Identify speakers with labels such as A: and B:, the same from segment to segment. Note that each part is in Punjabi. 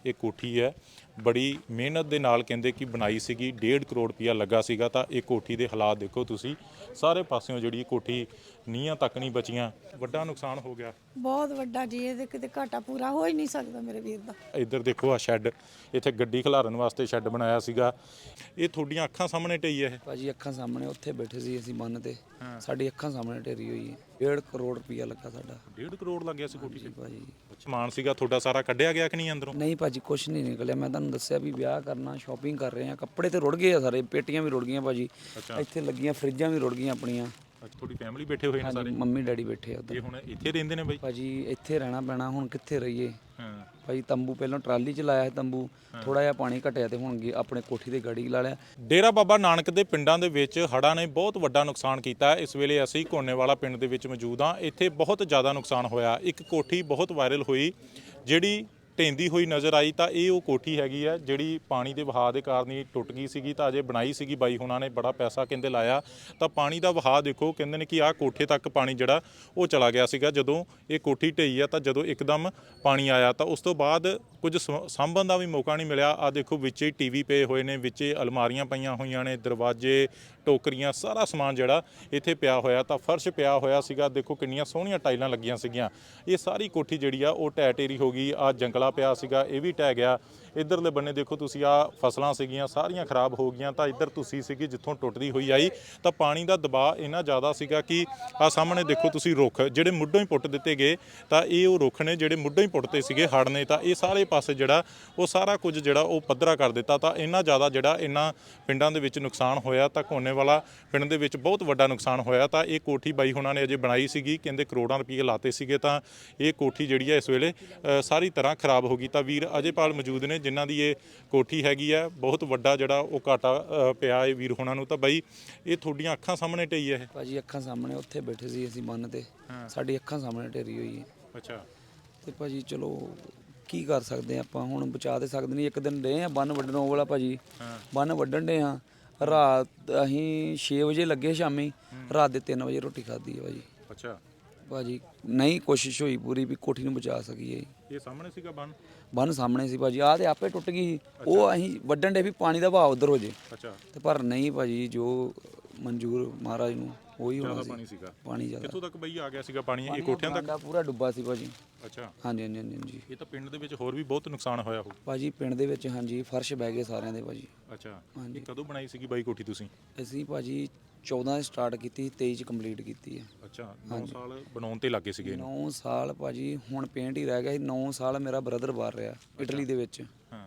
A: ਇਹ ਕੋਠੀ ਹੈ ਬੜੀ ਮਿਹਨਤ ਦੇ ਨਾਲ ਕਹਿੰਦੇ ਕਿ ਬਣਾਈ ਸੀਗੀ। 1.5 ਕਰੋੜ ਰੁਪਇਆ ਲੱਗਾ ਸੀਗਾ। ਤਾਂ ਇਹ ਕੋਠੀ ਦੇ ਹਾਲਾਤ ਦੇਖੋ ਤੁਸੀਂ, ਸਾਰੇ ਪਾਸਿਓਂ ਜਿਹੜੀ ਕੋਠੀ ਨੀਹਾਂ ਤੱਕ ਨਹੀਂ ਬਚੀਆਂ। ਵੱਡਾ ਨੁਕਸਾਨ ਹੋ ਗਿਆ,
B: ਬਹੁਤ ਵੱਡਾ ਜੀ। ਇਹਦੇ ਕਿਤੇ ਘਾਟਾ ਪੂਰਾ ਹੋ ਹੀ ਨਹੀਂ ਸਕਦਾ ਮੇਰੇ ਵੀਰ ਦਾ।
A: ਇੱਧਰ ਦੇਖੋ ਆ ਸ਼ੈੱਡ, ਇੱਥੇ ਗੱਡੀ ਖਿਲਾਰਨ ਵਾਸਤੇ ਸ਼ੈੱਡ ਬਣਾਇਆ ਸੀਗਾ। ਇਹ ਤੁਹਾਡੀਆਂ ਅੱਖਾਂ ਸਾਹਮਣੇ ਢਈ ਹੈ?
C: ਭਾਜੀ ਅੱਖਾਂ ਸਾਹਮਣੇ ਉੱਥੇ ਬੈਠੇ ਸੀ ਅਸੀਂ ਬੰਨ ਤੇ, ਸਾਡੀ ਅੱਖਾਂ ਸਾਹਮਣੇ ਢੇਰੀ ਹੋਈ ਹੈ। 1.5 ਕਰੋੜ ਰੁਪਇਆ ਲੱਗਾ ਸਾਡਾ।
A: 1.5 ਕਰੋੜ ਲੱਗਿਆ ਸੀ ਕੋਠੀ 'ਚ
C: ਭਾਜੀ।
A: ਸਮਾਨ ਸੀਗਾ ਤੁਹਾਡਾ ਸਾਰਾ ਕੱਢਿਆ ਗਿਆ ਕਿ ਨਹੀਂ ਅੰਦਰੋਂ?
C: ਨਹੀਂ ਭਾਜੀ ਕੁਛ ਨਹੀਂ ਨਿਕਲਿਆ। ਮੈਂ ਤੁਹਾਨੂੰ ਦੱਸਿਆ ਵੀ ਵਿਆਹ ਕਰਨਾ, ਸ਼ਾਪਿੰਗ ਕਰ ਰਹੇ ਆ, ਕੱਪੜੇ ਤੇ ਰੁੜ ਗਏ ਆ ਸਾਰੇ, ਪੇਟੀਆਂ ਵੀ ਰੁੜ ਗਈਆਂ ਭਾਜੀ। ਇੱਥੇ ਲੱਗੀਆਂ ਫਰਿੱਜਾਂ ਵੀ ਰੁੜ ਗਈਆਂ ਆਪਣੀਆਂ।
A: ਅੱਛਾ, ਤੁਹਾਡੀ ਫੈਮਿਲੀ ਬੈਠੇ ਹੋਏ ਨੇ ਸਾਰੇ?
C: ਮੰਮੀ ਡੈਡੀ ਬੈਠੇ ਆ ਉੱਧਰ।
A: ਇਹ ਹੁਣ ਇੱਥੇ ਰਹਿੰਦੇ ਨੇ ਬਾਈ?
C: ਭਾਜੀ ਇੱਥੇ ਰਹਿਣਾ ਪੈਣਾ, ਹੁਣ ਕਿੱਥੇ ਰਹੀਏ।
A: ਹਾਂ
C: ਭਾਜੀ ਤੰਬੂ ਪਹਿਲਾਂ ਟਰਾਲੀ 'ਚ ਲਾਇਆ ਸੀ ਤੰਬੂ, ਥੋੜਾ ਜਿਹਾ ਪਾਣੀ ਘਟਿਆ ਤੇ ਹੁਣ ਆਪਣੇ ਕੋਠੀ ਤੇ ਗਾੜੀ ਲਾ ਲਿਆ।
A: ਡੇਰਾ ਬਾਬਾ ਨਾਨਕ ਦੇ ਪਿੰਡਾਂ ਦੇ ਵਿੱਚ ਹੜ੍ਹਾਂ ਨੇ ਬਹੁਤ ਵੱਡਾ ਨੁਕਸਾਨ ਕੀਤਾ ਹੈ। ਇਸ ਵੇਲੇ ਅਸੀਂ ਕੋਨੇਵਾਲਾ ਪਿੰਡ ਦੇ ਵਿੱਚ ਮੌਜੂਦ ਹਾਂ। ਇੱਥੇ ਬਹੁਤ ਜ਼ਿਆਦਾ ਨੁਕਸਾਨ ਹੋਇਆ। ਇੱਕ ਕੋਠੀ ਬਹੁਤ ਵਾਇਰਲ ਹੋਈ ਜਿਹੜੀ ਢਹਿੰਦੀ ਹੋਈ ਨਜ਼ਰ ਆਈ। ਤਾਂ ਇਹ ਉਹ ਕੋਠੀ ਹੈਗੀ ਹੈ ਜਿਹੜੀ ਪਾਣੀ ਦੇ ਵਹਾਅ ਦੇ ਕਾਰਨ ਹੀ ਟੁੱਟ ਗਈ ਸੀਗੀ। ਤਾਂ ਅਜੇ ਬਣਾਈ ਸੀਗੀ ਬਾਈ ਹੁਣਾਂ ਨੇ, ਬੜਾ ਪੈਸਾ ਕਹਿੰਦੇ ਲਾਇਆ। ਤਾਂ ਪਾਣੀ ਦਾ ਵਹਾਅ ਦੇਖੋ, ਕਹਿੰਦੇ ਨੇ ਕਿ ਆਹ ਕੋਠੇ ਤੱਕ ਪਾਣੀ ਜਿਹੜਾ ਉਹ ਚਲਾ ਗਿਆ ਸੀਗਾ ਜਦੋਂ ਇਹ ਕੋਠੀ ਢਈ ਆ। ਤਾਂ ਜਦੋਂ ਇੱਕਦਮ ਪਾਣੀ ਆਇਆ ਤਾਂ ਉਸ ਤੋਂ ਬਾਅਦ ਕੁਝ ਸਾਂਭਣ ਦਾ ਵੀ ਮੌਕਾ ਨਹੀਂ ਮਿਲਿਆ। ਆ ਦੇਖੋ ਵਿੱਚੇ ਟੀਵੀ ਪਏ ਹੋਏ ਨੇ, ਵਿੱਚੇ ਅਲਮਾਰੀਆਂ ਪਈਆਂ ਹੋਈਆਂ ਨੇ, ਦਰਵਾਜ਼ੇ, ਟੋਕਰੀਆਂ, ਸਾਰਾ ਸਮਾਨ ਜਿਹੜਾ ਇੱਥੇ ਪਿਆ ਹੋਇਆ। ਤਾਂ ਫਰਸ਼ ਪਿਆ ਹੋਇਆ ਸੀਗਾ। ਦੇਖੋ ਕਿੰਨੀਆਂ ਸੋਹਣੀਆਂ ਟਾਈਲਾਂ ਲੱਗੀਆਂ ਸੀਗੀਆਂ। ਇਹ ਸਾਰੀ ਕੋਠੀ ਜਿਹੜੀ ਆ ਉਹ ਢਹਿ ਢੇਰੀ ਹੋ ਗਈ। ਆ ਜੰਗਲਾ ਪਿਆ ਸੀਗਾ, ਇਹ ਵੀ ਢਹਿ ਗਿਆ। ਇੱਧਰਲੇ ਬੰਨੇ ਦੇਖੋ ਤੁਸੀਂ, ਆ ਫਸਲਾਂ ਸੀਗੀਆਂ ਸਾਰੀਆਂ ਖਰਾਬ ਹੋ ਗਈਆਂ। ਤਾਂ ਇੱਧਰ ਤੁਸੀਂ ਸੀਗੀ ਜਿੱਥੋਂ ਟੁੱਟਦੀ ਹੋਈ ਆਈ। ਤਾਂ ਪਾਣੀ ਦਾ ਦਬਾਅ ਇੰਨਾ ਜ਼ਿਆਦਾ ਸੀਗਾ ਕਿ ਆ ਸਾਹਮਣੇ ਦੇਖੋ ਤੁਸੀਂ ਰੁੱਖ ਜਿਹੜੇ ਮੁੱਢੋਂ ਹੀ ਪੁੱਟ ਦਿੱਤੇ ਗਏ। ਤਾਂ ਇਹ ਉਹ ਰੁੱਖ ਨੇ ਜਿਹੜੇ ਮੁੱਢੋਂ ਹੀ ਪੁੱਟਦੇ ਸੀਗੇ ਹੜ੍ਹ ਨੇ। ਤਾਂ ਇਹ ਸਾਰੇ ਪਾਸੇ ਜਿਹੜਾ ਉਹ ਸਾਰਾ ਕੁਝ ਜਿਹੜਾ ਉਹ ਪੱਧਰਾ ਕਰ ਦਿੱਤਾ। ਤਾਂ ਇੰਨਾ ਜ਼ਿਆਦਾ ਜਿਹੜਾ ਇਹਨਾਂ ਪਿੰਡਾਂ ਦੇ ਵਿੱਚ ਨੁਕਸਾਨ ਹੋਇਆ। ਤਾਂ ਕੋਨੇਵਾਲਾ ਪਿੰਡ ਦੇ ਵਿੱਚ ਬਹੁਤ ਵੱਡਾ ਨੁਕਸਾਨ ਹੋਇਆ। ਤਾਂ ਇਹ ਕੋਠੀ ਬਾਈ ਹੁਣਾਂ ਨੇ ਅਜੇ ਬਣਾਈ ਸੀਗੀ, ਕਹਿੰਦੇ ਕਰੋੜਾਂ ਰੁਪਏ ਲਾਤੇ ਸੀਗੇ। ਤਾਂ ਇਹ ਕੋਠੀ ਜਿਹੜੀ ਹੈ ਇਸ ਵੇਲੇ ਸਾਰੀ ਤਰ੍ਹਾਂ ਖਰਾਬ ਹੋ ਗਈ। ਤਾਂ ਵੀਰ ਅਜੇਪਾਲ ਮੌਜੂਦ ਨੇ ਜਿਨ੍ਹਾਂ ਦੀ ਇਹ ਕੋਠੀ ਹੈਗੀ ਆ। ਬਹੁਤ ਵੱਡਾ ਜਿਹੜਾ ਉਹ ਘਾਟਾ ਪਿਆ ਇਹ ਵੀਰ ਹੁਣਾਂ ਨੂੰ। ਤਾਂ ਬਾਈ ਇਹ ਤੁਹਾਡੀਆਂ ਅੱਖਾਂ ਸਾਹਮਣੇ ਢਈ ਹੈ?
C: ਭਾਜੀ ਅੱਖਾਂ ਸਾਹਮਣੇ ਉੱਥੇ ਬੈਠੇ ਸੀ ਅਸੀਂ ਬੰਨ ਤੇ, ਸਾਡੀ ਅੱਖਾਂ ਸਾਹਮਣੇ ਢੇਰੀ ਹੋਈ ਹੈ।
A: ਅੱਛਾ।
C: ਤੇ ਭਾਜੀ ਚਲੋ ਕੀ ਕਰ ਸਕਦੇ ਆਪਾਂ, ਹੁਣ ਬਚਾ ਤੇ ਸਕਦੇ ਨਹੀਂ। ਇੱਕ ਦਿਨ ਰਹੇ ਆ ਬੰਨ ਵੱਢਣ, ਉਹ ਵਾਲਾ ਭਾਜੀ ਬੰਨ ਵੱਢਣ ਦੇ ਆ। ਰਾਤ ਅਸੀਂ 6 ਵਜੇ ਲੱਗੇ ਸ਼ਾਮੀ, ਰਾਤ ਦੇ 3 ਵਜੇ ਰੋਟੀ ਖਾਧੀ ਹੈ ਭਾਜੀ।
A: ਅੱਛਾ
C: ਭਾਜੀ ਨਹੀਂ ਕੋਸ਼ਿਸ਼ ਹੋਈ ਪੂਰੀ ਵੀ ਕੋਠੀ ਨੂੰ ਬਚਾ ਸਕੀਏ।
A: ਇਹ ਸਾਹਮਣੇ ਸੀਗਾ
C: ਬੰਨ ਸਾਹਮਣੇ ਸੀ ਭਾਜੀ। ਆਹ ਤੇ ਆਪੇ ਟੁੱਟ ਗਈ ਸੀ। ਉਹ ਅਸੀਂ ਵੱਢਣ ਦੇ ਵੀ ਪਾਣੀ ਦਾ ਵਹਾਅ ਉਧਰ ਹੋ ਜੇ।
A: ਅੱਛਾ।
C: ਤੇ ਪਰ ਨਹੀਂ ਭਾਜੀ, ਜੋ ਮਨਜ਼ੂਰ ਮਹਾਰਾਜ ਨੂੰ ਉਹੀ ਹੋਣਾ ਸੀ।
A: ਪਾਣੀ ਸੀਗਾ?
C: ਪਾਣੀ ਜ਼ਿਆਦਾ।
A: ਕਿੱਥੋਂ ਤੱਕ ਬਈ ਆ ਗਿਆ ਸੀਗਾ ਪਾਣੀ? ਇਹ ਕੋਠਿਆਂ ਤੱਕ
C: ਪੂਰਾ ਡੁੱਬਾ ਸੀ ਭਾਜੀ।
A: ਅੱਛਾ।
C: ਹਾਂਜੀ ਹਾਂਜੀ ਹਾਂਜੀ।
A: ਇਹ ਤਾਂ ਪਿੰਡ ਦੇ ਵਿੱਚ ਹੋਰ ਵੀ ਬਹੁਤ ਨੁਕਸਾਨ ਹੋਇਆ ਹੋ
C: ਭਾਜੀ ਪਿੰਡ ਦੇ ਵਿੱਚ। ਹਾਂਜੀ ਫਰਸ਼ ਬਹਿ ਗਏ ਸਾਰਿਆਂ ਦੇ ਭਾਜੀ।
A: ਅੱਛਾ। ਇਹ ਕਦੋਂ ਬਣਾਈ ਸੀਗੀ ਬਾਈ ਕੋਠੀ ਤੁਸੀਂ?
C: ਅਸੀਂ ਭਾਜੀ 14 ਸਟਾਰਟ ਕੀਤੀ, 23 ਚ ਕੰਪਲੀਟ ਕੀਤੀ ਹੈ।
A: ਅੱਛਾ। 9 ਸਾਲ ਬਣਾਉਣ ਤੇ ਲੱਗੇ ਸੀਗੇ?
C: 9 ਸਾਲ ਭਾਜੀ, ਹੁਣ ਪੇਂਟ ਹੀ ਰਹਿ ਗਿਆ ਸੀ। 9 ਸਾਲ ਮੇਰਾ ਬ੍ਰਦਰ ਬਾਹਰ ਰਿਹਾ ਇਟਲੀ ਦੇ ਵਿੱਚ।
A: ਹਾਂ।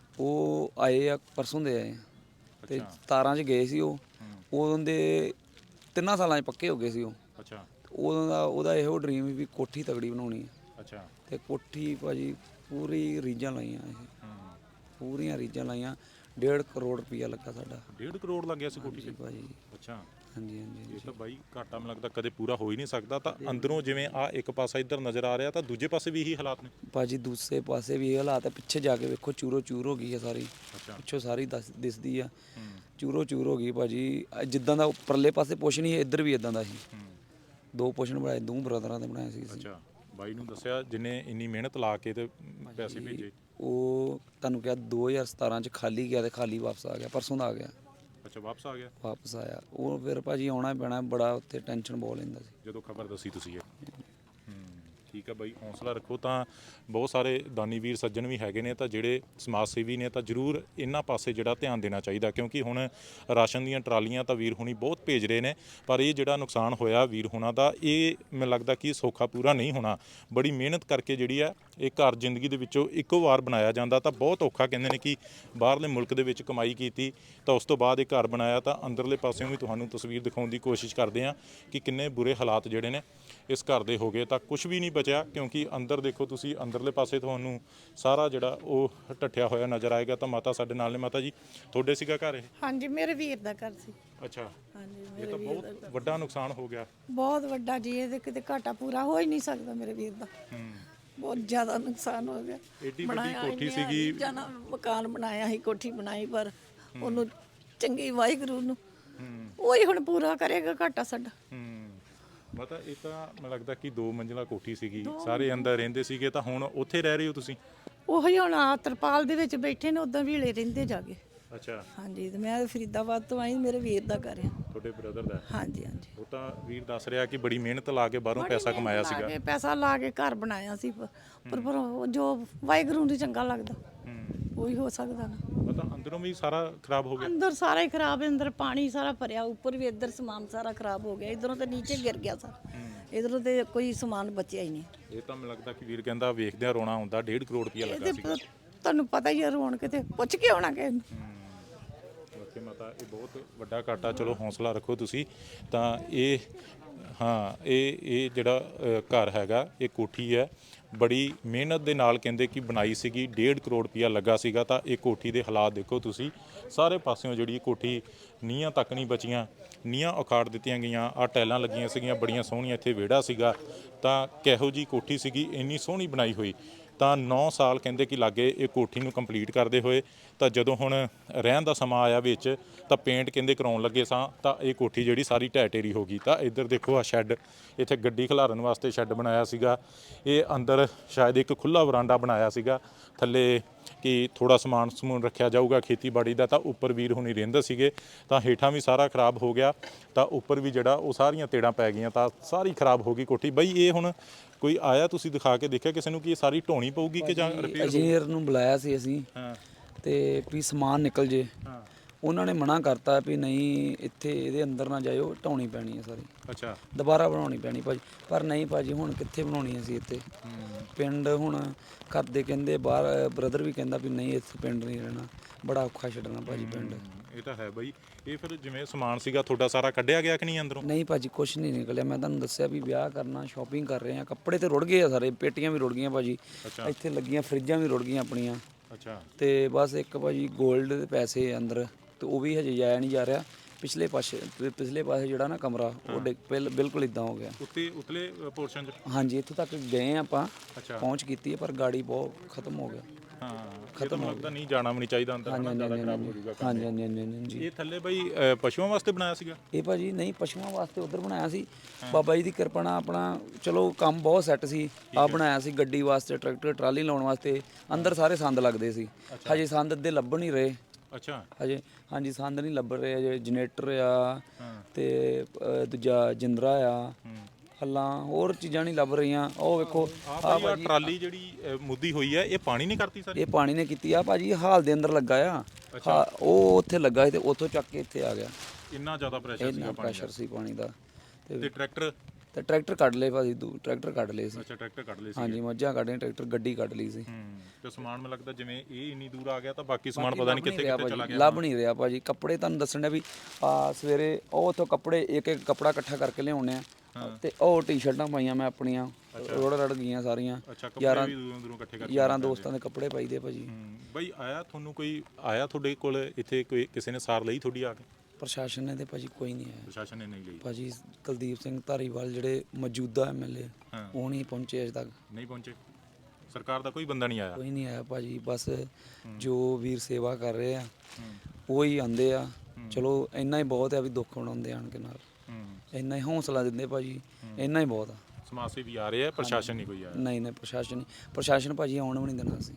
C: ਉਹ ਆਏ ਆ ਪਰਸੋਂ ਦੇ ਆਏ ਤੇ 17 ਚ ਗਏ ਸੀ। ਉਹ ਉਦੋਂ ਦੇ 3 ਸਾਲਾਂ 'ਚ ਪੱਕੇ ਹੋ ਗਏ ਸੀ ਉਹ। ਅੱਛਾ। ਉਦੋਂ ਦਾ ਉਹਦਾ ਇਹੋ ਡ੍ਰੀਮ ਵੀ ਕੋਠੀ ਤਗੜੀ ਬਣਾਉਣੀ ਹੈ। ਅੱਛਾ। ਤੇ ਕੋਠੀ ਭਾਜੀ ਪੂਰੀ ਰੀਝਾਂ ਲਾਈਆਂ ਇਹ, ਪੂਰੀਆਂ ਰੀਝਾਂ ਲਾਈਆਂ। 1.5 ਕਰੋੜ ਰੁਪਇਆ ਲੱਗਾ ਸਾਡਾ।
A: 1.5 ਕਰੋੜ ਲੱਗਿਆ ਸੀ ਕੋਠੀ 'ਚ
C: ਭਾਜੀ?
A: ਅੱਛਾ।
C: ਹਾਂਜੀ ਹਾਂਜੀ।
A: ਇਹ ਤਾਂ ਬਾਈ ਘਾਟਾ ਮੈਨੂੰ ਲੱਗਦਾ ਕਦੇ ਪੂਰਾ ਹੋ ਹੀ ਨਹੀਂ ਸਕਦਾ। ਤਾਂ ਅੰਦਰੋਂ ਜਿਵੇਂ ਆ ਇੱਕ ਪਾਸਾ ਇੱਧਰ ਨਜ਼ਰ ਆ ਰਿਹਾ, ਤਾਂ ਦੂਜੇ ਪਾਸੇ ਵੀ ਇਹੀ ਹਾਲਾਤ ਨੇ?
C: ਭਾਜੀ ਦੂਸਰੇ ਪਾਸੇ ਵੀ ਇਹ ਹਾਲਾਤ ਹੈ। ਪਿੱਛੇ ਜਾ ਕੇ ਵੇਖੋ, ਚੂਰੋ ਚੂਰ ਹੋ ਗਈ ਹੈ ਸਾਰੀ। ਪਿੱਛੋਂ ਸਾਰੀ ਦਿਸਦੀ ਆ, ਚੂਰੋ ਚੂਰ ਹੋ ਗਈ ਭਾਜੀ। ਜਿੱਦਾਂ ਦਾ ਉੱਪਰਲੇ ਪਾਸੇ ਪੋਸ਼ਨ ਸੀ, ਇੱਧਰ ਵੀ ਇਦਾਂ ਦਾ ਸੀ। 2 ਪੋਸ਼ਨ ਬਣਾਏ, 2 ਬ੍ਰਦਰਾਂ ਦੇ ਬਣਾਏ ਸੀ।
A: ਅੱਛਾ। ਬਾਈ ਨੂੰ ਦੱਸਿਆ ਜਿੰਨੇ ਇੰਨੀ ਮਿਹਨਤ ਲਾ ਕੇ ਤੇ ਪੈਸੇ ਭੇਜੇ?
C: ਉਹ ਤੁਹਾਨੂੰ ਕਿਹਾ 2017 ਚ ਖਾਲੀ ਗਿਆ ਤੇ ਖਾਲੀ ਵਾਪਸ ਆ ਗਿਆ, ਪਰਸੋਂ ਦਾ ਆ ਗਿਆ।
A: ਅੱਛਾ, ਵਾਪਸ ਆ ਗਿਆ?
C: ਵਾਪਸ ਆਇਆ ਉਹ। ਫਿਰ ਭਾਜੀ ਆਉਣਾ ਪੈਣਾ, ਬੜਾ ਉੱਥੇ ਟੈਨਸ਼ਨ ਬਹੁਤ ਲੈਂਦਾ ਸੀ
A: ਜਦੋਂ ਖਬਰ ਦੱਸੀ ਤੁਸੀਂ ਇਹ। ਠੀਕ ਹੈ ਬਾਈ, ਹੌਸਲਾ ਰੱਖੋ। ਤਾਂ ਬਹੁਤ ਸਾਰੇ ਦਾਨੀ ਵੀਰ ਸੱਜਣ ਵੀ ਹੈਗੇ ਨੇ ਤਾਂ ਜਿਹੜੇ ਸਮਾਜ ਸੇਵੀ ਨੇ, ਤਾਂ ਜ਼ਰੂਰ ਇਹਨਾਂ ਪਾਸੇ ਜਿਹੜਾ ਧਿਆਨ ਦੇਣਾ ਚਾਹੀਦਾ। ਕਿਉਂਕਿ ਹੁਣ ਰਾਸ਼ਨ ਦੀਆਂ ਟਰਾਲੀਆਂ ਤਾਂ ਵੀਰ ਹੁਣੀ ਬਹੁਤ ਭੇਜ ਰਹੇ ਨੇ, ਪਰ ਇਹ ਜਿਹੜਾ ਨੁਕਸਾਨ ਹੋਇਆ ਵੀਰ ਹੁਣਾਂ ਦਾ, ਇਹ ਮੈਨੂੰ ਲੱਗਦਾ ਕਿ ਸੌਖਾ ਪੂਰਾ ਨਹੀਂ ਹੋਣਾ। ਬੜੀ ਮਿਹਨਤ ਕਰਕੇ ਜਿਹੜੀ ਆ ਇਹ ਘਰ ਜ਼ਿੰਦਗੀ ਦੇ ਵਿੱਚੋਂ ਇੱਕੋ ਵਾਰ ਬਣਾਇਆ ਜਾਂਦਾ। ਤਾਂ ਬਹੁਤ ਔਖਾ, ਕਹਿੰਦੇ ਨੇ ਕਿ ਬਾਹਰਲੇ ਮੁਲਕ ਦੇ ਵਿੱਚ ਕਮਾਈ ਕੀਤੀ ਤਾਂ ਉਸ ਤੋਂ ਬਾਅਦ ਇਹ ਘਰ ਬਣਾਇਆ। ਤਾਂ ਅੰਦਰਲੇ ਪਾਸਿਓਂ ਵੀ ਤੁਹਾਨੂੰ ਤਸਵੀਰ ਦਿਖਾਉਣ ਦੀ ਕੋਸ਼ਿਸ਼ ਕਰਦੇ ਹਾਂ ਕਿ ਕਿੰਨੇ ਬੁਰੇ ਹਾਲਾਤ ਜਿਹੜੇ ਨੇ ਇਸ ਘਰ ਦੇ ਹੋ ਗਏ। ਤਾਂ ਕੁਝ ਵੀ ਨਹੀਂ ਬਚਿਆ, ਕਿਉਂਕਿ ਅੰਦਰ ਦੇਖੋ ਤੁਸੀਂ, ਅੰਦਰਲੇ ਪਾਸੇ ਤੁਹਾਨੂੰ ਸਾਰਾ ਜਿਹੜਾ ਉਹ ਢੱਠਿਆ ਹੋਇਆ ਨਜ਼ਰ ਆਏਗਾ। ਤਾਂ ਮਾਤਾ ਸਾਡੇ ਨਾਲ ਨੇ। ਮਾਤਾ ਜੀ, ਤੁਹਾਡੇ ਸੀਗਾ ਘਰ ਇਹ?
B: ਹਾਂਜੀ, ਮੇਰੇ ਵੀਰ ਦਾ ਘਰ ਸੀ।
A: ਅੱਛਾ।
B: ਹਾਂਜੀ,
A: ਇਹ ਤਾਂ ਬਹੁਤ ਵੱਡਾ ਨੁਕਸਾਨ ਹੋ ਗਿਆ।
B: ਬਹੁਤ ਵੱਡਾ ਜੀ। ਇਹਦੇ ਕਿਤੇ ਘਾਟਾ ਪੂਰਾ ਹੋ ਹੀ ਨਹੀਂ ਸਕਦਾ ਮੇਰੇ ਵੀਰ ਦਾ। ਬਹੁਤ ਜ਼ਿਆਦਾ ਨੁਕਸਾਨ ਹੋ ਗਿਆ।
A: ਏਡੀ ਵੱਡੀ ਕੋਠੀ ਸੀਗੀ,
B: ਜਾਨਾ ਮਕਾਨ ਬਣਾਇਆ ਸੀ, ਕੋਠੀ ਬਣਾਈ, ਪਰ ਉਹਨੂੰ ਚੰਗੀ ਵਾਹਿਗੁਰੂ ਨੂੰ ਉਹੀ ਹੁਣ ਪੂਰਾ ਕਰੇਗਾ ਘਾਟਾ ਸਾਡਾ।
A: ਮਤਾ ਇਹ ਤਾਂ ਮੈਨੂੰ ਲੱਗਦਾ ਕਿ 2 ਮੰਜ਼ਿਲਾ ਕੋਠੀ ਸੀਗੀ, ਸਾਰੇ ਅੰਦਰ ਰਹਿੰਦੇ ਸੀਗੇ। ਤਾਂ ਹੁਣ ਉੱਥੇ ਰਹਿ ਰਹੇ ਹੋ ਤੁਸੀਂ?
B: ਉਹੀ ਹੁਣ ਆ ਤਰਪਾਲ ਦੇ ਵਿੱਚ ਬੈਠੇ ਨੇ, ਉਦਾਂ ਵੀਲੇ ਰਹਿੰਦੇ ਜਾ ਕੇ।
A: ਅੱਛਾ,
B: ਹਾਂਜੀ, ਤੇ ਮੈਂ ਫਰੀਦਾਬਾਦ ਤੋਂ ਆਈ, ਮੇਰੇ ਵੀਰ ਦਾ ਘਰ ਆ।
A: ਤੁਹਾਡੇ ਬ੍ਰਦਰ ਦਾ?
B: ਹਾਂਜੀ ਹਾਂਜੀ।
A: ਉਹ ਤਾਂ ਵੀਰ ਦੱਸ ਰਿਹਾ ਕਿ ਬੜੀ ਮਿਹਨਤ ਲਾ ਕੇ ਬਾਹਰੋਂ ਪੈਸਾ ਕਮਾਇਆ ਸੀਗਾ।
B: ਪੈਸਾ ਲਾ ਕੇ ਘਰ ਬਣਾਇਆ ਸੀ, ਪਰ ਉਹ ਜੋ ਵਾਹਿਗੁਰੂ ਨੂੰ ਚੰਗਾ ਲੱਗਦਾ ਉਹੀ ਹੋ ਸਕਦਾ ਨਾ।
A: ਪਤਾ ਅੰਦਰੋਂ ਵੀ ਸਾਰਾ ਖਰਾਬ ਹੋ ਗਿਆ।
B: ਅੰਦਰ ਸਾਰਾ ਹੀ ਖਰਾਬ ਹੈ, ਅੰਦਰ ਪਾਣੀ ਸਾਰਾ ਭਰਿਆ, ਉੱਪਰ ਵੀ ਇੱਧਰ ਸਮਾਨ ਸਾਰਾ ਖਰਾਬ ਹੋ ਗਿਆ, ਇਧਰੋਂ ਤੇ ਨੀਚੇ ਗਿਰ ਗਿਆ ਸਾਰਾ, ਇਧਰੋਂ ਤੇ ਕੋਈ ਸਮਾਨ ਬਚਿਆ ਹੀ ਨਹੀਂ।
A: ਇਹ ਤਾਂ ਮੈਨੂੰ ਲੱਗਦਾ ਕਿ ਵੀਰ ਕਹਿੰਦਾ ਵੇਖਦਿਆਂ ਰੋਣਾ ਹੁੰਦਾ। 1.5 ਕਰੋੜ ਰੁਪਇਆ ਲੱਗਾ
B: ਇਹਦੇ
A: ਸੀਗਾ।
B: ਤੁਹਾਨੂੰ ਪਤਾ ਹੀ ਹੈ, ਰੋਣ ਕਿਤੇ ਪੁੱਛ ਕੇ ਆਉਣਾ ਕਿਸੇ ਨੂੰ।
A: ਓਕੇ ਮਾਤਾ, ਇਹ ਬਹੁਤ ਵੱਡਾ ਘਾਟਾ। ਚਲੋ ਹੌਸਲਾ ਰੱਖੋ ਤੁਸੀਂ। ਤਾਂ ਇਹ ਹਾਂ, ਇਹ ਜਿਹੜਾ ਘਰ ਹੈਗਾ, ਇਹ ਕੋਠੀ ਹੈ, ਬੜੀ ਮਿਹਨਤ ਦੇ ਨਾਲ ਕਹਿੰਦੇ ਕਿ ਬਣਾਈ ਸੀਗੀ। 1.5 ਕਰੋੜ ਰੁਪਇਆ ਲੱਗਾ ਸੀਗਾ। ਤਾਂ ਇਹ ਕੋਠੀ ਦੇ ਹਾਲਾਤ ਦੇਖੋ ਤੁਸੀਂ, ਸਾਰੇ ਪਾਸਿਓਂ ਜਿਹੜੀ ਕੋਠੀ ਨੀਹਾਂ ਤੱਕ ਨਹੀਂ ਬਚੀਆਂ, ਨੀਹਾਂ ਉਖਾੜ ਦਿੱਤੀਆਂ ਗਈਆਂ। ਆਹ ਟੈਲਾਂ ਲੱਗੀਆਂ ਸੀਗੀਆਂ ਬੜੀਆਂ ਸੋਹਣੀਆਂ, ਇੱਥੇ ਵਿਹੜਾ ਸੀਗਾ। ਤਾਂ ਕਿਹੋ ਜੀ ਕੋਠੀ ਸੀਗੀ, ਇੰਨੀ ਸੋਹਣੀ ਬਣਾਈ ਹੋਈ। ਤਾਂ 9 ਸਾਲ ਕਹਿੰਦੇ ਕਿ ਲਾਗੇ ਇਹ ਕੋਠੀ ਨੂੰ ਕੰਪਲੀਟ ਕਰਦੇ ਹੋਏ। ਤਾਂ ਜਦੋਂ ਹੁਣ ਰਹਿਣ ਦਾ ਸਮਾਂ ਆਇਆ ਵਿੱਚ, ਤਾਂ ਪੇਂਟ ਕਹਿੰਦੇ ਕਰਾਉਣ ਲੱਗੇ ਸਾਂ, ਤਾਂ ਇਹ ਕੋਠੀ ਜਿਹੜੀ ਸਾਰੀ ਢਹਿ ਢੇਰੀ ਹੋ ਗਈ। ਤਾਂ ਇੱਧਰ ਦੇਖੋ ਆ ਸ਼ੈੱਡ, ਇੱਥੇ ਗੱਡੀ ਖਿਲਾਰਨ ਵਾਸਤੇ ਸ਼ੈੱਡ ਬਣਾਇਆ ਸੀਗਾ। ਇਹ ਅੰਦਰ ਸ਼ਾਇਦ ਇੱਕ ਖੁੱਲ੍ਹਾ ਵਰਾਂਡਾ ਬਣਾਇਆ ਸੀਗਾ, ਥੱਲੇ ਕਿ ਥੋੜਾ ਸਮਾਨ ਸਮੂਨ ਰੱਖਿਆ ਜਾਊਗਾ ਖੇਤੀਬਾੜੀ ਦਾ। ਤਾਂ ਉੱਪਰ ਵੀਰ ਹੁਣੀ ਰਹਿੰਦੇ ਸੀਗੇ। ਤਾਂ ਹੇਠਾਂ ਵੀ ਸਾਰਾ ਖਰਾਬ ਹੋ ਗਿਆ। ਤਾਂ ਉੱਪਰ ਵੀ ਜਿਹੜਾ ਉਹ ਸਾਰੀਆਂ ਤੇੜਾਂ ਪੈ ਗਈਆਂ। ਤਾਂ ਸਾਰੀ ਖਰਾਬ ਹੋ ਗਈ ਕੋਠੀ। ਬਈ ਇਹ ਹੁਣ ਕੋਈ ਆਇਆ, ਤੁਸੀਂ ਦਿਖਾ ਕੇ ਦੇਖਿਆ ਕਿਸੇ ਨੂੰ ਕਿ ਇਹ ਸਾਰੀ ਢੋਣੀ ਪਊਗੀ ਕਿ ਜਾਂ ਰਿਪੇਅਰ?
C: ਇੰਜੀਨੀਅਰ ਨੂੰ ਬੁਲਾਇਆ ਸੀ ਅਸੀਂ,
A: ਹਾਂ,
C: ਤੇ ਵੀ ਸਮਾਨ ਨਿਕਲ ਜੇ।
A: ਹਾਂ,
C: ਉਹਨਾਂ ਨੇ ਮਨਾ ਕਰਤਾ ਵੀ ਨਹੀਂ, ਇੱਥੇ ਇਹਦੇ ਅੰਦਰ ਨਾ ਜਾਇਓ, ਢਾਉਣੀ ਪੈਣੀ ਹੈ ਸਾਰੀ,
A: ਅੱਛਾ,
C: ਦੁਬਾਰਾ ਬਣਾਉਣੀ ਪੈਣੀ ਭਾਜੀ। ਪਰ ਨਹੀਂ ਭਾਜੀ, ਹੁਣ ਕਿੱਥੇ ਬਣਾਉਣੀ ਅਸੀਂ ਇੱਥੇ ਪਿੰਡ? ਹੁਣ ਘਰ ਦੇ ਕਹਿੰਦੇ, ਬਾਹਰ ਬ੍ਰਦਰ ਵੀ ਕਹਿੰਦਾ ਵੀ ਨਹੀਂ, ਇੱਥੇ ਪਿੰਡ ਨਹੀਂ ਰਹਿਣਾ, ਬੜਾ ਔਖਾ ਛੱਡਣਾ ਭਾਜੀ ਪਿੰਡ।
A: ਇਹ ਤਾਂ ਹੈ ਬਈ। ਇਹ ਫਿਰ ਜਿਵੇਂ ਸਮਾਨ ਸੀਗਾ ਤੁਹਾਡਾ ਸਾਰਾ ਕੱਢਿਆ ਗਿਆ ਕਿ ਨਹੀਂ ਅੰਦਰੋਂ?
C: ਨਹੀਂ ਭਾਜੀ, ਕੁਛ ਨਹੀਂ ਨਿਕਲਿਆ। ਮੈਂ ਤੁਹਾਨੂੰ ਦੱਸਿਆ ਵੀ ਵਿਆਹ ਕਰਨਾ, ਸ਼ਾਪਿੰਗ ਕਰ ਰਹੇ ਆ, ਕੱਪੜੇ ਤੇ ਰੁੜ ਗਏ ਆ ਸਾਰੇ, ਪੇਟੀਆਂ ਵੀ ਰੁੜ ਗਈਆਂ ਭਾਜੀ, ਇੱਥੇ ਲੱਗੀਆਂ ਫਰਿੱਜਾਂ ਵੀ ਰੁੜ ਗਈਆਂ ਆਪਣੀਆਂ।
A: ਅੱਛਾ,
C: ਤੇ ਬਸ ਇੱਕ ਭਾਜੀ ਗੋਲਡ ਦੇ ਪੈਸੇ ਅੰਦਰ, ਤੇ ਉਹ ਵੀ ਹਜੇ ਜਾਇਆ ਨਹੀਂ ਜਾ ਰਿਹਾ। ਪਿਛਲੇ ਪਾਸੇ ਜਿਹੜਾ ਨਾ ਕਮਰਾ, ਉਹ ਬਿਲਕੁਲ ਇਦਾਂ ਹੋ ਗਿਆ।
A: ਉਤਲੇ ਪੋਰਸ਼ਨ 'ਚ?
C: ਹਾਂਜੀ, ਇੱਥੋਂ ਤੱਕ ਗਏ ਆਪਾਂ,
A: ਅੱਛਾ,
C: ਪਹੁੰਚ ਕੀਤੀ ਹੈ, ਪਰ ਗਾੜੀ ਬਹੁਤ ਖਤਮ ਹੋ ਗਿਆ।
A: ਹਾਂ, ਖਤਮ ਲੱਗਦਾ ਨਹੀਂ, ਜਾਣਾ ਵੀ ਨਹੀਂ ਚਾਹੀਦਾ ਅੰਦਰ,
C: ਹਾਂਜੀ
A: ਜ਼ਿਆਦਾ ਖਰਾਬ ਹੋ ਜਾਊਗਾ ਕੰਮ।
C: ਹਾਂਜੀ ਹਾਂਜੀ ਹਾਂਜੀ ਹਾਂਜੀ।
A: ਇਹ ਥੱਲੇ ਬਈ ਪਸ਼ੂਆਂ ਵਾਸਤੇ ਬਣਾਇਆ ਸੀਗਾ?
C: ਇਹ ਭਾਜੀ ਨਹੀਂ, ਪਸ਼ੂਆਂ ਵਾਸਤੇ ਉਧਰ ਬਣਾਇਆ ਸੀ। ਬਾਬਾ ਜੀ ਦੀ ਕਿਰਪਾ ਨਾਲ ਆਪਣਾ ਚਲੋ ਕੰਮ ਬਹੁਤ ਸੈੱਟ ਸੀ। ਆ ਬਣਾਇਆ ਸੀ ਗੱਡੀ ਵਾਸਤੇ, ਟਰੈਕਟਰ ਟਰਾਲੀ ਲਾਉਣ ਵਾਸਤੇ। ਅੰਦਰ ਸਾਰੇ ਸੰਦ ਲੱਗਦੇ ਸੀ, ਹਜੇ ਸੰਦ ਅੱਧੇ ਲੱਭ ਨਹੀਂ ਰਹੇ।
A: ਅੱਛਾ,
C: ਹਜੇ ਹਾਂਜੀ, ਸੰਦ ਨਹੀਂ ਲੱਭ ਰਹੇ ਹਜੇ। ਜਨਰੇਟਰ ਆ, ਤੇ ਦੂਜਾ ਜਿੰਦਰਾ ਆ, ਹੱਲਾਂ, ਹੋਰ ਚੀਜ਼ਾਂ ਨਹੀਂ ਲੱਭ ਰਹੀਆਂ। ਉਹ ਵੇਖੋ
A: ਆ ਟਰਾਲੀ ਜਿਹੜੀ ਮੁੱਦੀ ਹੋਈ ਹੈ, ਇਹ ਪਾਣੀ ਨਹੀਂ ਕਰਤੀ ਸਾਰੀ?
C: ਇਹ ਪਾਣੀ ਨੇ ਕੀਤੀ ਆ ਭਾਜੀ, ਹਾਲ ਦੇ ਅੰਦਰ ਲੱਗਾ ਆ। ਉਹ ਉੱਥੇ ਲੱਗਾ ਸੀ, ਤੇ ਉੱਥੋਂ ਚੱਕ ਕੇ ਇੱਥੇ ਆ ਗਿਆ।
A: ਇੰਨਾ ਜ਼ਿਆਦਾ ਪ੍ਰੈਸ਼ਰ ਸੀਗਾ ਪਾਣੀ
C: ਪ੍ਰੈਸ਼ਰ ਸੀ ਪਾਣੀ ਦਾ।
A: ਤੇ ਟਰੈਕਟਰ?
C: ਤੇ ਟਰੈਕਟਰ ਕੱਢ ਲਏ ਭਾਜੀ, ਟਰੈਕਟਰ ਕੱਢ ਲਏ ਸੀ।
A: ਅੱਛਾ, ਟਰੈਕਟਰ ਕੱਢ ਲਏ ਸੀ।
C: ਹਾਂਜੀ, ਮੱਝਾਂ ਕੱਢੀਆਂ, ਟਰੈਕਟਰ ਗੱਡੀ ਕੱਢ ਲਈ ਸੀ।
A: ਤੇ ਸਮਾਨ ਮੈਨੂੰ ਲੱਗਦਾ ਜਿਵੇਂ ਇਹ ਇੰਨੀ ਦੂਰ ਆ ਗਿਆ, ਤਾਂ ਬਾਕੀ ਸਮਾਨ ਪਤਾ ਨਹੀਂ ਕਿੱਥੇ ਕਿੱਥੇ ਚਲਾ ਗਿਆ।
C: ਲੱਭ ਨਹੀਂ ਰਿਹਾ ਭਾਜੀ। ਕੱਪੜੇ ਤੁਹਾਨੂੰ ਦੱਸਣ ਡਿਆ ਵੀ ਆ ਸਵੇਰੇ ਉਹ ਉੱਥੋਂ ਕੱਪੜੇ ਇੱਕ ਕੱਪੜਾ ਇਕੱਠਾ ਕਰਕੇ ਲਿਆਉਣੇ ਆ, ਤੇ ਉਹ ਟੀ-ਸ਼ਰਟਾਂ ਪਾਈਆਂ ਮੈਂ ਆਪਣੀਆਂ, ਰੜ ਗਈਆਂ ਸਾਰੀਆਂ।
A: ਯਾਰਾਂ ਦੂਰੋਂ ਇਕੱਠੇ ਕਰਕੇ
C: ਯਾਰਾਂ ਦੋਸਤਾਂ ਦੇ ਕੱਪੜੇ ਪਾਈਦੇ ਭਾਜੀ।
A: ਬਈ ਆਇਆ ਤੁਹਾਨੂੰ ਕੋਈ, ਆਇਆ ਤੁਹਾਡੇ ਕੋਲ ਇੱਥੇ ਕੋਈ, ਕਿਸੇ ਨੇ ਸਾਰ ਲਈ ਤੁਹਾਡੀ ਆ ਕੇ?
C: ਪ੍ਰਸ਼ਾਸਨ ਨੇ ਤੇ ਭਾਜੀ ਕੋਈ ਨਹੀਂ ਆਇਆ।
A: ਪ੍ਰਸ਼ਾਸਨ ਨੇ ਨਹੀਂ ਲਈ
C: ਭਾਜੀ ਕੁਲਦੀਪ ਸਿੰਘ ਧਾਰੀਵਾਲ ਜਿਹੜੇ ਮੌਜੂਦਾ ਐਮਐਲਏ, ਉਹ ਨਹੀਂ ਪਹੁੰਚੇ ਅਜੇ ਤੱਕ।
A: ਨਹੀਂ ਪਹੁੰਚੇ? ਸਰਕਾਰ ਦਾ ਕੋਈ ਬੰਦਾ ਨਹੀਂ ਆਇਆ?
C: ਕੋਈ ਨਹੀਂ ਆਇਆ ਭਾਜੀ। ਬਸ ਜੋ ਵੀਰ ਸੇਵਾ ਕਰ ਰਹੇ ਆ ਉਹ ਹੀ ਆਉਂਦੇ ਆ। ਚਲੋ ਇੰਨਾ ਹੀ ਬਹੁਤ ਆ ਵੀ ਦੁੱਖ ਮਨਾਉਂਦੇ ਆਣ ਕੇ ਨਾਲ, ਇੰਨਾ ਹੀ ਹੌਸਲਾ ਦਿੰਦੇ ਭਾਜੀ, ਇੰਨਾ ਹੀ ਬਹੁਤ ਆ।
A: ਸਮਾਜ ਸੇਵੀ ਆ ਰਹੇ ਆ, ਪ੍ਰਸ਼ਾਸਨ ਨਹੀਂ ਕੋਈ ਆਇਆ?
C: ਨਹੀਂ, ਪ੍ਰਸ਼ਾਸਨ ਭਾਜੀ ਆਉਣ ਵੀ ਨਹੀਂ ਦੇਣਾ ਅਸੀਂ,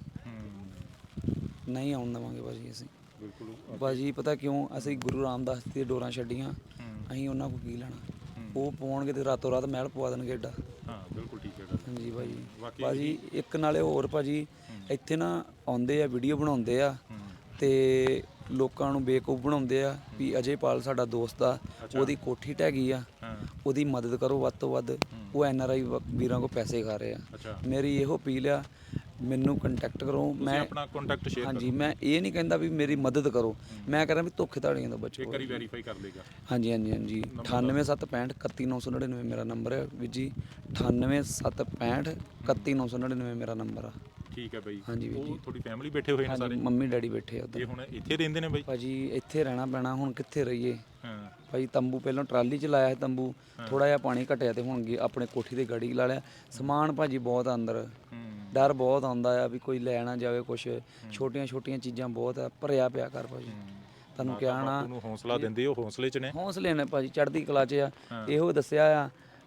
C: ਨਹੀਂ ਆਉਣ ਦੇਵਾਂਗੇ ਭਾਜੀ ਅਸੀਂ।
A: ਬਿਲਕੁਲ
C: ਭਾਜੀ ਪਤਾ ਕਿਉਂ? ਅਸੀਂ ਗੁਰੂ ਰਾਮਦਾਸ ਦੀਆਂ ਡੋਰਾਂ ਛੱਡੀਆਂ, ਅਸੀਂ ਉਹਨਾਂ ਕੋਲ ਕੀ ਲੈਣਾ? ਉਹ ਪਾਉਣਗੇ ਤੇ ਰਾਤੋਂ ਰਾਤ ਮਹਿਲ ਪਵਾ ਦੇਣਗੇ ਏਡਾ।
A: ਹਾਂ, ਬਿਲਕੁਲ ਠੀਕ ਹੈ ਗੱਲ।
C: ਹਾਂਜੀ ਭਾਜੀ ਇੱਕ ਨਾਲੇ ਹੋਰ ਭਾਜੀ, ਇੱਥੇ ਨਾ ਆਉਂਦੇ ਆ, ਵੀਡੀਓ ਬਣਾਉਂਦੇ ਆ, ਤੇ ਲੋਕਾਂ ਨੂੰ ਬੇਵਕੂਫ ਬਣਾਉਂਦੇ ਆ ਵੀ ਅਜੇਪਾਲ ਸਾਡਾ ਦੋਸਤ ਆ, ਉਹਦੀ ਕੋਠੀ ਢਹਿ ਗਈ ਆ, ਉਹਦੀ ਮਦਦ ਕਰੋ ਵੱਧ ਤੋਂ ਵੱਧ। ਉਹ ਐਨਆਰਆਈ ਵੀਰਾਂ ਕੋ ਪੈਸੇ ਖਾ ਰਹੇ ਆ। ਮੇਰੀ ਇਹੋ ਅਪੀਲ ਆ, ਮੈਨੂੰ ਕੰਟੈਕਟ ਕਰੋ। ਮੈਂ
A: ਆਪਣਾ ਕੰਟੈਕਟ ਸ਼ੇਅਰ
C: ਹਾਂਜੀ, ਮੈਂ ਇਹ ਨਹੀਂ ਕਹਿੰਦਾ ਵੀ ਮੇਰੀ ਮਦਦ ਕਰੋ, ਮੈਂ ਕਹਿੰਦਾ ਵੀ ਧੋਖੇ ਧਾੜੀਆਂ ਤੋਂ ਬਚੋ।
A: ਇੱਕ ਵਾਰੀ ਵੈਰੀਫਾਈ ਕਰ ਦੇਗਾ?
C: ਹਾਂਜੀ ਹਾਂਜੀ ਹਾਂਜੀ। 98765 31999 ਮੇਰਾ ਨੰਬਰ ਹੈ ਵੀਰ ਜੀ। 98765 31999 ਮੇਰਾ ਨੰਬਰ ਆ।
A: ਠੀਕ ਹੈ ਬਾਈ।
C: ਹਾਂਜੀ ਵੀਰ ਜੀ।
A: ਤੁਹਾਡੀ ਫੈਮਿਲੀ ਬੈਠੇ ਹੋਏ ਨੇ ਸਾਰੇ?
C: ਮੰਮੀ ਡੈਡੀ ਬੈਠੇ ਆ ਉੱਧਰ।
A: ਇਹ ਹੁਣ ਇੱਥੇ ਰਹਿੰਦੇ ਨੇ ਬਾਈ?
C: ਭਾਜੀ ਇੱਥੇ ਰਹਿਣਾ ਪੈਣਾ, ਹੁਣ ਕਿੱਥੇ ਰਹੀਏ।
A: ਹਾਂ
C: ਭਾਜੀ ਤੰਬੂ ਪਹਿਲਾਂ ਟਰਾਲੀ 'ਚ ਲਾਇਆ ਸੀ ਤੰਬੂ, ਥੋੜਾ ਜਿਹਾ ਪਾਣੀ ਘਟਿਆ ਤੇ ਹੁਣ ਆਪਣੇ ਕੋਠੀ ਤੇ ਗਾੜੀ ਲਾ ਲਿਆ। ਸਮਾਨ ਭਾਜੀ ਬਹੁਤ ਅੰਦਰ, ਡਰ ਬਹੁਤ ਆਉਂਦਾ ਆ ਵੀ ਕੋਈ ਲੈ ਨਾ ਜਾਵੇ ਕੁਛ। ਛੋਟੀਆਂ ਛੋਟੀਆਂ ਚੀਜ਼ਾਂ ਬਹੁਤ ਆ, ਭਰਿਆ ਪਿਆ ਕਰ ਭਾਜੀ। ਤੁਹਾਨੂੰ ਕਿਹਾ ਨਾ,
A: ਉਹਨੂੰ ਹੌਸਲਾ ਦਿੰਦੇ, ਉਹ ਹੌਸਲੇ 'ਚ ਨੇ।
C: ਹੌਸਲੇ ਨੇ ਭਾਜੀ, ਚੜ੍ਹਦੀ ਕਲਾ 'ਚ ਆ। ਇਹੋ ਦੱਸਿਆ ਆ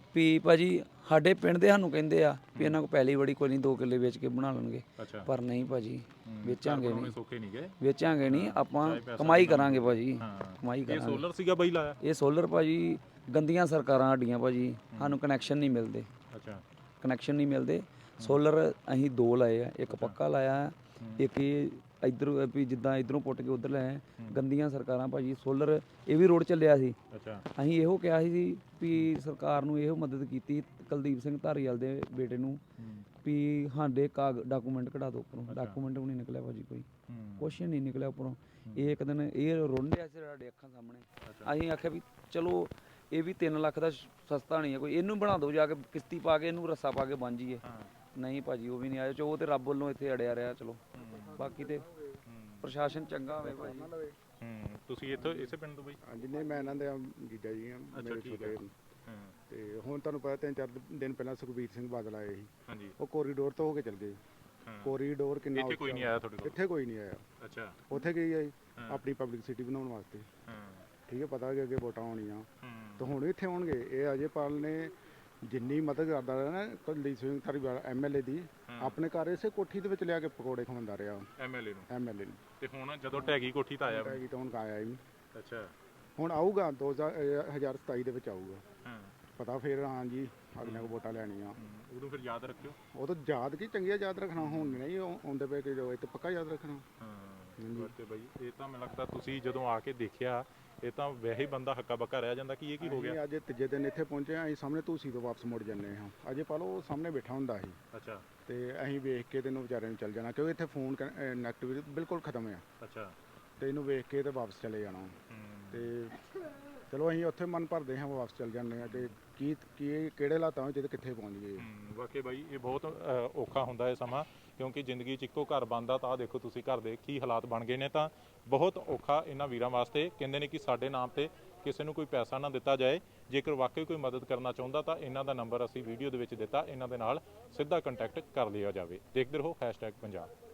C: ਵੀ ਭਾਜੀ ਸਾਡੇ ਪਿੰਡ ਦੇ ਸਾਨੂੰ ਕਹਿੰਦੇ ਆ ਵੀ ਇਹਨਾਂ ਕੋਲ ਪਹਿਲੀ ਬੜੀ ਕੋਈ ਨਹੀਂ 2 ਕਿੱਲੇ ਵੇਚ ਕੇ ਬਣਾ ਲੈਣਗੇ,
A: ਅੱਛਾ
C: ਪਰ ਨਹੀਂ ਭਾਜੀ, ਵੇਚਾਂਗੇ ਨਹੀਂ,
A: ਸੌਖੇ ਨਹੀਂ ਗਏ,
C: ਵੇਚਾਂਗੇ ਨਹੀਂ, ਆਪਾਂ ਕਮਾਈ ਕਰਾਂਗੇ ਭਾਜੀ, ਕਮਾਈ
A: ਇਹ
C: ਕਰਾਂਗੇ।
A: ਸੋਲਰ ਸੀਗਾ ਬਾਈ ਲਾਇਆ?
C: ਇਹ ਸੋਲਰ ਭਾਜੀ ਗੰਦੀਆਂ ਸਰਕਾਰਾਂ ਸਾਡੀਆਂ ਭਾਜੀ, ਸਾਨੂੰ ਕਨੈਕਸ਼ਨ ਨਹੀਂ ਮਿਲਦੇ,
A: ਅੱਛਾ
C: ਕਨੈਕਸ਼ਨ ਨਹੀਂ ਮਿਲਦੇ। ਸੋਲਰ ਅਸੀਂ 2 ਲਾਏ ਆ, ਇੱਕ ਪੱਕਾ ਲਾਇਆ, ਇੱਕ ਇਹ ਇੱਧਰ ਵੀ ਜਿੱਦਾਂ ਇੱਧਰੋਂ ਪੁੱਟ ਕੇ ਉੱਧਰ ਲਾਏ। ਗੰਦੀਆਂ ਸਰਕਾਰਾਂ ਭਾਜੀ, ਸੋਲਰ ਇਹ ਵੀ ਰੋਡ ਚੱਲਿਆ ਸੀ।
A: ਅੱਛਾ
C: ਅਸੀਂ ਇਹੋ ਕਿਹਾ ਸੀ ਵੀ ਸਰਕਾਰ ਨੂੰ ਇਹੋ ਮਦਦ ਕੀਤੀ ਕੁਲਦੀਪ ਸਿੰਘ ਧਾਰੀਵਾਲ ਦੇ ਬੇਟੇ ਨੂੰ ਵੀ ਸਾਡੇ ਡਾਕੂਮੈਂਟ ਕਢਾ ਦਿਓ ਉੱਪਰੋਂ, ਡਾਕੂਮੈਂਟ ਵੀ ਨਹੀਂ ਨਿਕਲਿਆ ਭਾਜੀ, ਕੋਈ ਕੁਛ ਨਹੀਂ ਨਿਕਲਿਆ ਉੱਪਰੋਂ। ਇਹ ਇੱਕ ਦਿਨ ਇਹ ਰੋਂਡਿਆ ਸੀ ਸਾਡੇ ਅੱਖਾਂ ਸਾਹਮਣੇ, ਅਸੀਂ ਆਖਿਆ ਵੀ ਚਲੋ ਇਹ ਵੀ 3 ਲੱਖ ਦਾ ਸਸਤਾ ਨਹੀਂ ਹੈ ਕੋਈ, ਇਹਨੂੰ ਬਣਾ ਦਿਓ ਜਾ ਕੇ, ਕਿਸ਼ਤੀ ਪਾ ਕੇ ਇਹਨੂੰ ਰੱਸਾ ਪਾ ਕੇ ਬਣ ਜਾਈਏ। ਨਹੀਂ ਭਾਜੀ ਉਹ ਵੀ ਨਹੀਂ ਆਇਆ, ਚੋ ਉਹ ਤੇ ਰੱਬ ਵੱਲੋਂ ਇੱਥੇ ਅੜਿਆ ਰਿਹਾ। ਚਲੋ ਬਾਕੀ ਤੇ ਪ੍ਰਸ਼ਾਸਨ ਚੰਗਾ ਹੋਵੇ ਭਾਜੀ।
A: ਤੁਸੀਂ ਇੱਥੋਂ ਇਸੇ ਪਿੰਡ ਤੋਂ ਬਈ?
D: ਹਾਂਜੀ ਨਹੀਂ, ਮੈਂ ਇਹਨਾਂ ਦੇ ਜੀਜਾ ਜੀ ਆ ਮੇਰੇ ਛੋਟੇ। ਤੇ ਹੁਣ ਤੁਹਾਨੂੰ ਪਤਾ 3-4 ਦਿਨ ਪਹਿਲਾਂ ਸੁਖਬੀਰ ਸਿੰਘ ਬਾਦਲ ਆਏ ਸੀ,
A: ਹਾਂਜੀ,
D: ਉਹ ਕੋਰੀਡੋਰ ਤੋਂ ਹੋ ਕੇ ਚਲ ਗਏ। ਕੋਰੀਡੋਰ ਕਿੰਨਾ
A: ਇੱਥੇ ਕੋਈ ਨਹੀਂ ਆਇਆ ਤੁਹਾਡੇ ਕੋਲ?
D: ਇੱਥੇ ਕੋਈ ਨਹੀਂ ਆਇਆ।
A: ਅੱਛਾ,
D: ਉੱਥੇ ਗਈ ਆਈ ਆਪਣੀ ਪਬਲਿਕ ਸਿਟੀ ਬਣਾਉਣ ਵਾਸਤੇ, ਠੀਕ ਹੈ, ਪਤਾ ਕਿ ਅੱਗੇ ਵੋਟਾਂ ਆਉਣੀਆਂ ਤਾਂ ਹੁਣ ਇੱਥੇ ਆਉਣਗੇ। ਇਹ ਅਜੇਪਾਲ ਨੇ ਜਿੰਨੀ ਮਦਦ ਕਰਦਾ ਰਿਹਾ ਨਾ ਕੁਲਦੀਪ ਸਿੰਘ ਧਾਰੀਵਾਲ MLA ਦੀ, ਆਪਣੇ ਘਰ ਇਸੇ ਕੋਠੀ ਦੇ ਵਿੱਚ ਲਿਆ ਕੇ ਪਕੌੜੇ ਖਵਾਉਂਦਾ ਰਿਹਾ
A: MLA ਨੂੰ।
D: ਨੂੰ।
A: ਤੇ ਹੁਣ ਜਦੋਂ ਢਹਿ ਕੋਠੀ ਤਾਂ ਆਇਆ ਵਾ?
D: ਤਾਂ ਹੁਣ ਆਇਆ ਹੀ।
A: ਅੱਛਾ,
D: ਹੁਣ ਆਊਗਾ 2027 ਦੇ ਵਿੱਚ ਆਊਗਾ, ਪਤਾ ਫਿਰ ਹਾਂਜੀ ਅਗਲੇ ਕੋ ਵੋਟਾਂ ਲੈਣੀਆਂ।
A: ਉਦੋਂ ਫਿਰ ਯਾਦ ਰੱਖਿਓ।
D: ਉਹ ਤਾਂ ਯਾਦ ਕੀ ਚੰਗੀਆਂ ਯਾਦ ਰੱਖਣਾ, ਹੁਣ ਨਹੀਂ ਆਉਂਦੇ ਪਏ ਕਿ ਜੋ ਇਹ ਤਾਂ ਪੱਕਾ ਯਾਦ ਰੱਖਣਾ।
A: ਤੇ ਬਾਈ ਇਹ ਤਾਂ ਮੈਨੂੰ ਲੱਗਦਾ ਤੁਸੀਂ ਜਦੋਂ ਆ ਕੇ ਦੇਖਿਆ, ਇਹ ਤਾਂ ਵੈਸੇ ਹੀ ਬੰਦਾ ਹੱਕਾ ਬੱਕਾ ਰਹਿ ਜਾਂਦਾ ਕਿ ਇਹ ਕੀ ਹੋ ਗਿਆ।
D: ਅੱਜ ਤੀਜੇ ਦਿਨ ਇੱਥੇ ਪਹੁੰਚੇ ਆ, ਅਸੀਂ ਸਾਹਮਣੇ ਤੁਸੀਂ ਤੋਂ ਵਾਪਸ ਮੁੜ ਜਾਂਦੇ ਹਾਂ। ਅਜੇ ਪਾ ਲਓ ਸਾਹਮਣੇ ਬੈਠਾ ਹੁੰਦਾ ਸੀ,
A: ਅੱਛਾ,
D: ਤੇ ਅਸੀਂ ਵੇਖ ਕੇ ਤੈਨੂੰ ਵਿਚਾਰੇ ਨੂੰ ਚੱਲ ਜਾਣਾ, ਕਿਉਂਕਿ ਇੱਥੇ ਫੋਨ ਕਨੈਕਟੀਵਿਟੀ ਬਿਲਕੁਲ ਖਤਮ ਆ।
A: ਅੱਛਾ,
D: ਤੇ ਇਹਨੂੰ ਵੇਖ ਕੇ ਤੇ ਵਾਪਸ ਚਲੇ ਜਾਣਾ। ਤੇ ਚਲੋ ਅਸੀਂ ਉੱਥੇ ਮਨ ਭਰਦੇ ਹਾਂ, ਵਾਪਸ ਚੱਲ ਜਾਂਦੇ ਹਾਂ ਕਿ ਕੀ ਕਿਹੜੇ ਹਾਲਾਤਾਂ ਵਿੱਚ ਤੇ ਕਿੱਥੇ ਪਹੁੰਚ ਗਏ।
A: ਵਾਕਈ ਬਾਈ ਇਹ ਬਹੁਤ ਔਖਾ ਹੁੰਦਾ ਹੈ ਸਮਾਂ, ਕਿਉਂਕਿ ਜ਼ਿੰਦਗੀ 'ਚ ਇੱਕੋ ਘਰ ਬਣਦਾ ਤਾਂ ਦੇਖੋ ਤੁਸੀਂ ਘਰ ਦੇ ਕੀ ਹਾਲਾਤ ਬਣ ਗਏ ਨੇ। ਤਾਂ ਬਹੁਤ ਔਖਾ ਇਹਨਾਂ ਵੀਰਾਂ ਵਾਸਤੇ। ਕਹਿੰਦੇ ਨੇ ਕਿ ਸਾਡੇ ਨਾਮ ਤੇ ਕਿਸੇ ਨੂੰ ਕੋਈ ਪੈਸਾ ਨਾ ਦਿੱਤਾ ਜਾਏ, ਜੇਕਰ ਵਾਕਈ ਕੋਈ ਮਦਦ ਕਰਨਾ ਚਾਹੁੰਦਾ ਤਾਂ ਇਹਨਾਂ ਦਾ ਨੰਬਰ ਅਸੀਂ ਵੀਡੀਓ ਦੇ ਵਿੱਚ ਦਿੱਤਾ, ਇਹਨਾਂ ਦੇ ਨਾਲ ਸਿੱਧਾ ਕੰਟੈਕਟ ਕਰ ਲਿਆ ਜਾਵੇ। ਦੇਖਦੇ ਰਹੋ #ਪੰਜਾਬ।